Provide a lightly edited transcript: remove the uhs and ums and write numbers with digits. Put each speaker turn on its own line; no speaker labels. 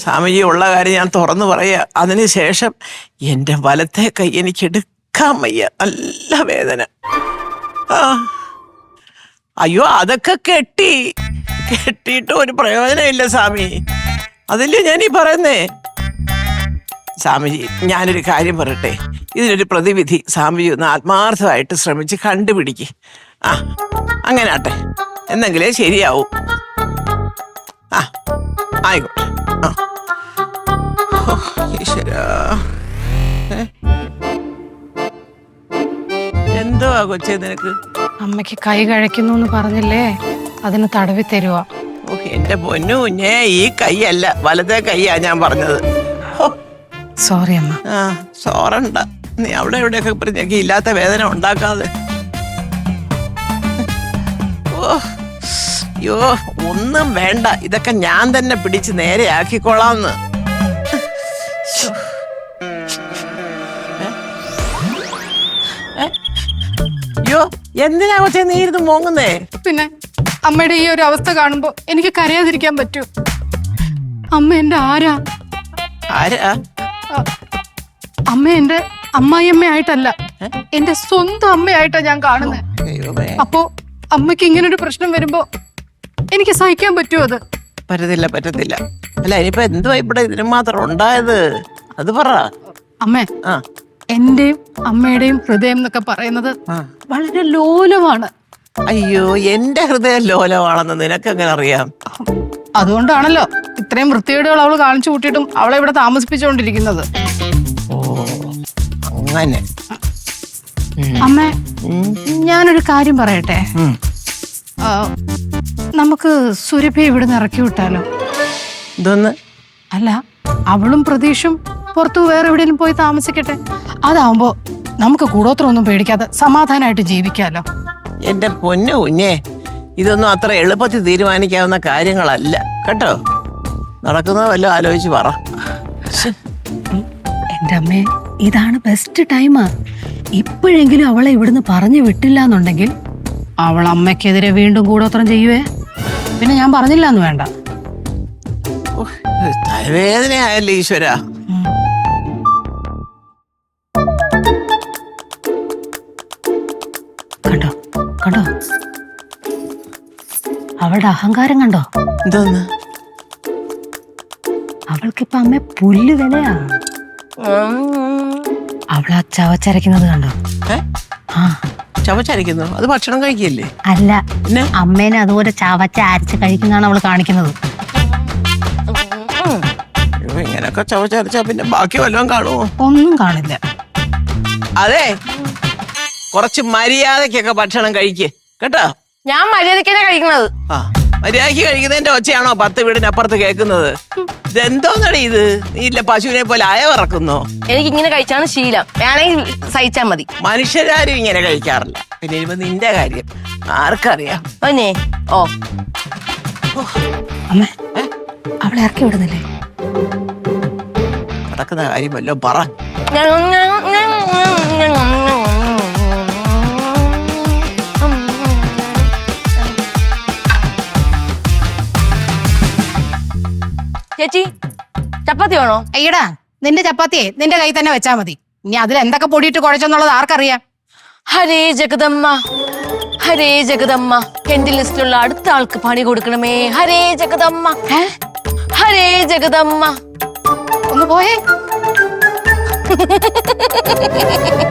സ്വാമിജി ഉള്ള കാര്യം ഞാൻ തുറന്നു പറയാ. അതിനുശേഷം എൻ്റെ വലത്തെ കൈ എനിക്ക് എടുക്കാൻ വയ്യ, നല്ല വേദന. അയ്യോ അതൊക്കെ കെട്ടിയിട്ട് ഒരു പ്രയോജനമില്ല സ്വാമി. അതല്ലേ ഞാനീ പറയുന്നേ. സ്വാമിജി ഞാനൊരു കാര്യം പറയട്ടെ, ഇതിനൊരു പ്രതിവിധി സ്വാമിജി ഒന്ന് ആത്മാർത്ഥമായിട്ട് ശ്രമിച്ച് കണ്ടുപിടിക്ക്. അങ്ങനെ ആട്ടെ, എന്നെങ്കിലേ ശരിയാവും. ആയിക്കോട്ടെ. ഈശ്വരാ, എന്തോ കൊച്ചേ നിനക്ക്?
അമ്മയ്ക്ക് കൈ കഴിക്കുന്നു എന്ന് പറഞ്ഞില്ലേ, അതിന് തടവി തരുവാ.
എന്റെ പൊന്നു കുഞ്ഞേ, ഈ കൈയല്ല, വലത്തെ കൈയാ ഞാൻ പറഞ്ഞത്.
സോറി അമ്മ.
സോറണ്ട, നീ അവിടെ എവിടെയൊക്കെ പറഞ്ഞേക്ക് ഇല്ലാത്ത വേദന ഉണ്ടാക്കാതെ. അയ്യോ ഒന്നും വേണ്ട, ഇതൊക്കെ ഞാൻ തന്നെ പിടിച്ച് നേരെ ആക്കിക്കോളാന്ന്. അയ്യോ എന്തിനാ കൊച്ചേ നീ ഇരുന്ന് മോങ്ങുന്നേ?
പിന്നെ അമ്മയുടെ ഈ ഒരു അവസ്ഥ കാണുമ്പോ എനിക്ക് കരയാതിരിക്കാൻ പറ്റൂ? അമ്മ എന്റെ ആരാ? അമ്മ എന്റെ അമ്മായിയമ്മയായിട്ടല്ല, എന്റെ സ്വന്തം അമ്മയായിട്ടാ ഞാൻ കാണുന്നത്. അപ്പോ അമ്മയ്ക്ക് ഇങ്ങനൊരു പ്രശ്നം വരുമ്പോ എനിക്ക് സഹിക്കാൻ പറ്റുമോ? അത്
പറ്റത്തില്ല. അല്ല ഇനിയിപ്പോ എന്തുവാ ഇവിടെ ഇതിന് മാത്രം ഉണ്ടായത്? അത് പറ
അമ്മേ. എന്റെയും അമ്മയുടെയും ഹൃദയം എന്നൊക്കെ പറയുന്നത് വളരെ ലോലമാണ്.
അയ്യോ എന്റെ ഹൃദയം ലോലമാണെന്ന് നിനക്ക് എങ്ങനെ അറിയാം?
അതുകൊണ്ടാണല്ലോ ഇത്രയും വൃത്തികേടുകൾ അവള് കാണിച്ചു കൂട്ടിയിട്ടും അവളെ ഇവിടെ താമസിപ്പിച്ചുകൊണ്ടിരിക്കുന്നത്.
അങ്ങനെ
അമ്മ ഞാനൊരു കാര്യം പറയട്ടെ. നമുക്ക് സുരഭി ഇവിടുന്ന് ഇറക്കി വിട്ടാലോ?
ഇതൊന്ന്
അല്ല, അവളും പ്രതീക്ഷും പുറത്തു വേറെ എവിടെയെങ്കിലും പോയി താമസിക്കട്ടെ. അതാവുമ്പോ നമുക്ക് കൂടോത്രമൊന്നും പേടിക്കാതെ സമാധാനമായിട്ട് ജീവിക്കാലോ.
എന്റെ പൊന്നു കുഞ്ഞേ, ഇതൊന്നും അത്ര എളുപ്പത്തിൽ തീരുമാനിക്കാവുന്ന കാര്യങ്ങളല്ല കേട്ടോ. നടക്കുന്നത് വല്ലതും ആലോചിച്ച് പറ.
എന്റെ അമ്മേ, ഇതാണ് ബെസ്റ്റ് ടൈമാ. ഇപ്പോഴെങ്കിലും അവളെ ഇവിടുന്ന് പറഞ്ഞു വിട്ടില്ല എന്നുണ്ടെങ്കിൽ
അവൾ അമ്മയ്ക്കെതിരെ വീണ്ടും കൂടോത്രം ചെയ്യുവേ. പിന്നെ ഞാൻ പറഞ്ഞില്ലാന്ന് വേണ്ട.
തലവേദനയായല്ലേ ഈശ്വര.
കണ്ടോ കണ്ടോ അവളുടെ അഹങ്കാരം കണ്ടോ?
എന്തോന്ന്?
അവൾക്കിപ്പ അമ്മ പുല്ല് വിലയാ. അവളാ ചവച്ചരയ്ക്കുന്നത് കണ്ടോ?
ചവച്ചരയ്ക്കുന്നു? അത് ഭക്ഷണം കഴിക്കല്ലേ?
അല്ല, അമ്മേനെ അതുപോലെ ചവച്ച അരച്ച് കഴിക്കുന്നതാണ് അവള് കാണിക്കുന്നത്.
ഇങ്ങനൊക്കെ ചവച്ചരച്ചാ പിന്നെ ബാക്കി വല്ലതും കാണുമോ?
ഒന്നും കാണില്ല.
അതെ, കുറച്ച് മര്യാദക്കൊക്കെ ഭക്ഷണം കഴിക്ക് കേട്ടോ.
ഞാൻ മര്യാദക്കാണ് കഴിക്കുന്നത്.
മര്യാദക്ക് കഴിക്കുന്നതിന്റെ ഒച്ചയാണോ 10 വീടിനപ്പുറത്ത് കേൾക്കുന്നത്? ഇതെന്തോന്നടി ഇത്? നീ ഇല്ല പശുവിനെ പോലെ അയവിറക്കുന്നോ?
എനിക്ക് ഇങ്ങനെ കഴിച്ചാണ് ശീലം, വേണമെങ്കിൽ സഹിച്ചാ മതി.
മനുഷ്യരാരും ഇങ്ങനെ കഴിക്കാറില്ല. പിന്നെ ഇനിയിപ്പോ നിന്റെ കാര്യം ആർക്കറിയാം?
ഓ
അമ്മ, അവളെ ഇറക്കി വിടുന്നില്ലേ?
നടക്കുന്ന കാര്യം വല്ലോ പറ.
ചേച്ചി ചപ്പാത്തി വേണോ?
അയ്യടാ, നിന്റെ ചപ്പാത്തിയെ നിന്റെ കൈ തന്നെ വെച്ചാ മതി. ഇനി അതിൽ എന്തൊക്കെ പൊടിയിട്ട് കുഴച്ചെന്നുള്ളത് ആർക്കറിയാം?
ഹരേ ജഗദമ്മ, ഹരേ ജഗദമ്മ, എന്റെ ലിസ്റ്റിലുള്ള അടുത്ത ആൾക്ക് പണി കൊടുക്കണമേ. ഹരേ ജഗദമ്മ, ഹരേ ജഗദമ്മ.
ഒന്ന് പോയേ.